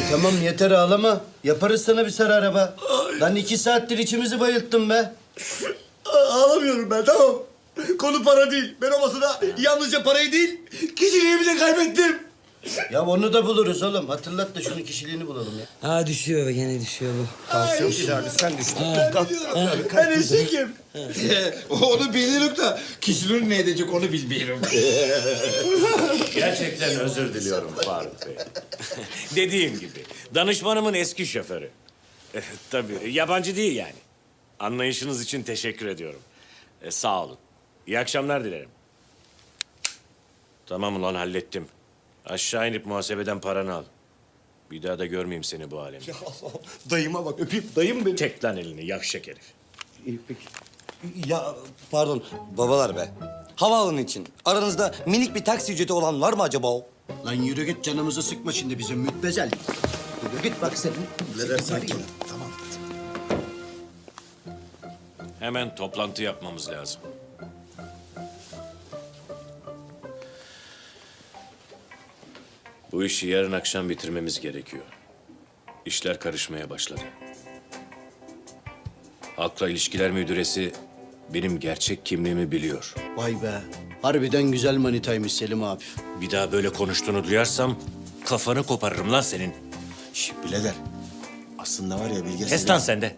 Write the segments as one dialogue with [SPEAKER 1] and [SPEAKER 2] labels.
[SPEAKER 1] Tamam yeter ağlama. Yaparız sana bir sarı araba. Lan 2 saattir içimizi bayılttın be.
[SPEAKER 2] Ağlamıyorum ben, tamam. Konu para değil. Ben o masada yalnızca parayı değil, kişiliğimi de kaybettim.
[SPEAKER 1] Ya onu da buluruz oğlum. Hatırlat da şunun kişiliğini bulalım ya.
[SPEAKER 3] Ha düşüyor be, gene düşüyor bu.
[SPEAKER 2] Tansiyon abi, sen düştün. Ben eşekim.
[SPEAKER 4] Onu biliyorum da kişinin ne edecek onu bilmiyorum.
[SPEAKER 5] Gerçekten özür diliyorum Faruk Bey. Dediğim gibi danışmanımın eski şoförü. Tabii yabancı değil yani. Anlayışınız için teşekkür ediyorum. Sağ olun. İyi akşamlar dilerim. Tamam ulan hallettim. Aşağı inip muhasebeden paranı al. Bir daha da görmeyeyim seni bu alemde.
[SPEAKER 2] Dayıma bak, öpeyim. Dayım benim.
[SPEAKER 5] Çek lan elini yavşak herif.
[SPEAKER 3] İyi peki. Ya pardon babalar be. Havaalanı için aranızda minik bir taksi ücreti olan var mı acaba o?
[SPEAKER 1] Lan yürü git canımızı sıkma şimdi bizim mütbezel. Yürü git bak sen.
[SPEAKER 2] Birader sakin. Tamam.
[SPEAKER 5] Hemen toplantı yapmamız lazım. Bu işi yarın akşam bitirmemiz gerekiyor. İşler karışmaya başladı. Halkla İlişkiler Müdüresi benim gerçek kimliğimi biliyor.
[SPEAKER 1] Vay be. Harbiden güzel manitaymış Selim abi.
[SPEAKER 5] Bir daha böyle konuştuğunu duyarsam kafanı koparırım lan senin.
[SPEAKER 2] Şş, birader. Aslında var ya Bilge...
[SPEAKER 5] Kes lan sen de.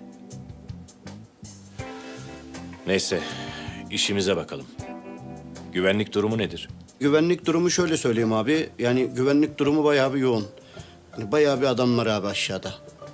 [SPEAKER 5] Neyse, işimize bakalım. Güvenlik durumu nedir?
[SPEAKER 1] Güvenlik durumu şöyle söyleyeyim abi. Yani güvenlik durumu bayağı bir yoğun. Yani bayağı bir adam var abi aşağıda.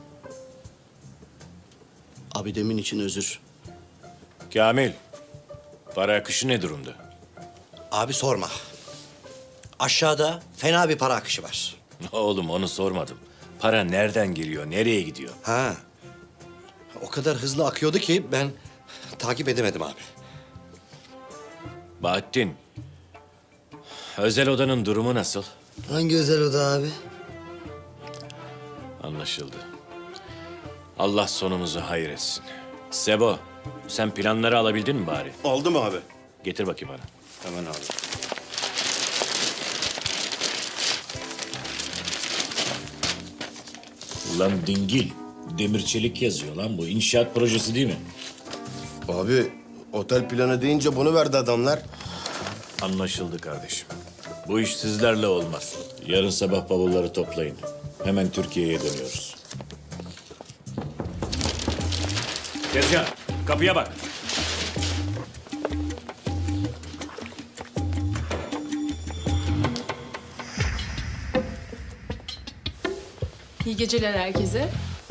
[SPEAKER 1] Abi demin için özür.
[SPEAKER 5] Kamil, para akışı ne durumda?
[SPEAKER 6] Abi sorma. Aşağıda fena bir para akışı var.
[SPEAKER 5] Oğlum onu sormadım. Para nereden geliyor, nereye gidiyor?
[SPEAKER 6] Ha. O kadar hızlı akıyordu ki ben takip edemedim abi.
[SPEAKER 5] Bahattin, özel odanın durumu nasıl?
[SPEAKER 3] Hangi özel oda abi?
[SPEAKER 5] Anlaşıldı. Allah sonumuzu hayır etsin. Sebo, sen planları alabildin mi bari?
[SPEAKER 2] Oldu mu abi?
[SPEAKER 5] Getir bakayım bana.
[SPEAKER 2] Hemen abi.
[SPEAKER 5] Ulan dingil, demir çelik yazıyor lan bu. İnşaat projesi değil mi?
[SPEAKER 7] Abi otel planı deyince bunu verdi adamlar.
[SPEAKER 5] Anlaşıldı kardeşim. Bu iş sizlerle olmaz. Yarın sabah bavulları toplayın. Hemen Türkiye'ye dönüyoruz. Tezcan, kapıya bak.
[SPEAKER 8] İyi geceler herkese.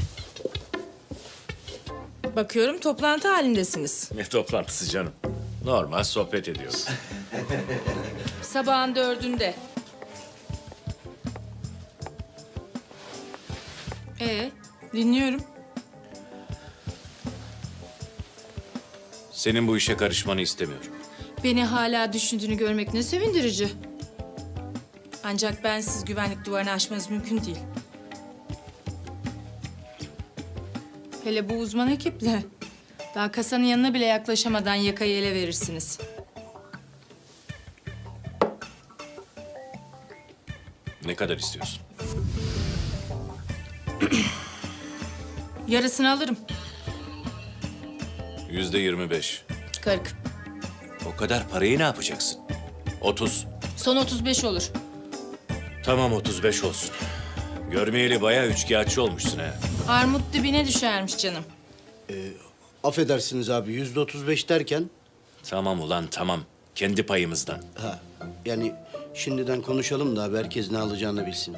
[SPEAKER 8] Bakıyorum toplantı halindesiniz.
[SPEAKER 5] Ne toplantısı canım? Normal sohbet ediyoruz.
[SPEAKER 8] Sabahın 4'ünde. Dinliyorum.
[SPEAKER 5] Senin bu işe karışmanı istemiyorum.
[SPEAKER 8] Beni hala düşündüğünü görmek ne sevindirici. Ancak bensiz güvenlik duvarını aşmanız mümkün değil. Hele bu uzman ekiple. Daha kasanın yanına bile yaklaşamadan yakayı ele verirsiniz.
[SPEAKER 5] Ne kadar istiyorsun?
[SPEAKER 8] Yarısını alırım.
[SPEAKER 5] %25.
[SPEAKER 8] 40.
[SPEAKER 5] O kadar parayı ne yapacaksın? 30.
[SPEAKER 8] Son 35 olur.
[SPEAKER 5] Tamam 35 olsun. Görmeyeli bayağı üçkağıtçı olmuşsun ha.
[SPEAKER 8] Armut dibine düşermiş canım.
[SPEAKER 1] Affedersiniz abi %35 derken...
[SPEAKER 5] Tamam ulan tamam. Kendi payımızdan.
[SPEAKER 1] Ha, yani şimdiden konuşalım da abi herkes ne alacağını bilsin.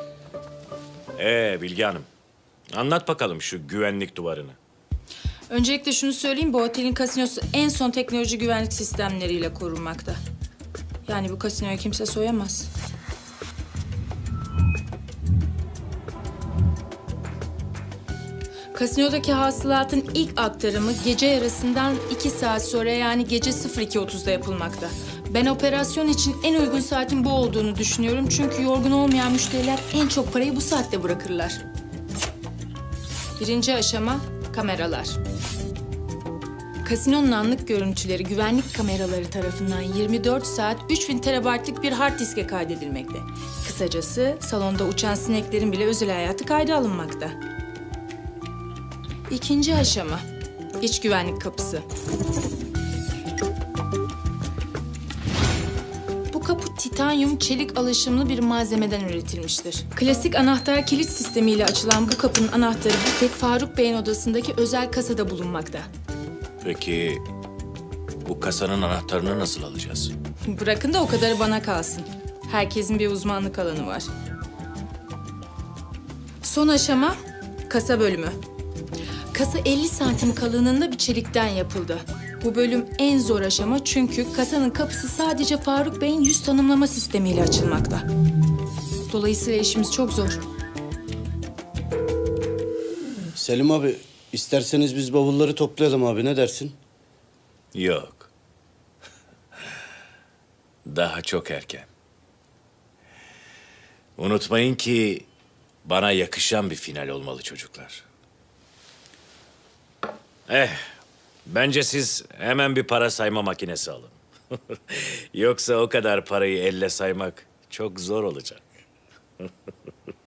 [SPEAKER 5] Bilge Hanım. Anlat bakalım şu güvenlik duvarını.
[SPEAKER 8] Öncelikle şunu söyleyeyim, bu otelin kasinosu en son teknoloji güvenlik sistemleriyle korunmakta. Yani bu kasinoyu kimse soyamaz. Kasinodaki hasılatın ilk aktarımı gece yarısından 2 saat sonra yani gece 02.30'da yapılmakta. Ben operasyon için en uygun saatin bu olduğunu düşünüyorum. Çünkü yorgun olmayan müşteriler en çok parayı bu saatte bırakırlar. Birinci aşama kameralar. Kasinonun anlık görüntüleri güvenlik kameraları tarafından 24 saat 3000 terabaytlık bir hard diske kaydedilmekte. Kısacası salonda uçan sineklerin bile özel hayatı kayda alınmakta. İkinci aşama, iç güvenlik kapısı. Bu kapı titanyum çelik alaşımlı bir malzemeden üretilmiştir. Klasik anahtar kilit sistemiyle açılan bu kapının anahtarı bir tek Faruk Bey'in odasındaki özel kasada bulunmakta.
[SPEAKER 5] Peki bu kasanın anahtarını nasıl alacağız?
[SPEAKER 8] Bırakın da o kadarı bana kalsın. Herkesin bir uzmanlık alanı var. Son aşama kasa bölümü. Kasa 50 santim kalınlığında bir çelikten yapıldı. Bu bölüm en zor aşama çünkü kasanın kapısı sadece Faruk Bey'in yüz tanımlama sistemiyle açılmakta. Dolayısıyla işimiz çok zor.
[SPEAKER 1] Selim abi, isterseniz biz bavulları toplayalım abi, ne dersin?
[SPEAKER 5] Yok. Daha çok erken. Unutmayın ki bana yakışan bir final olmalı çocuklar. Bence siz hemen bir para sayma makinesi alın. Yoksa o kadar parayı elle saymak çok zor olacak.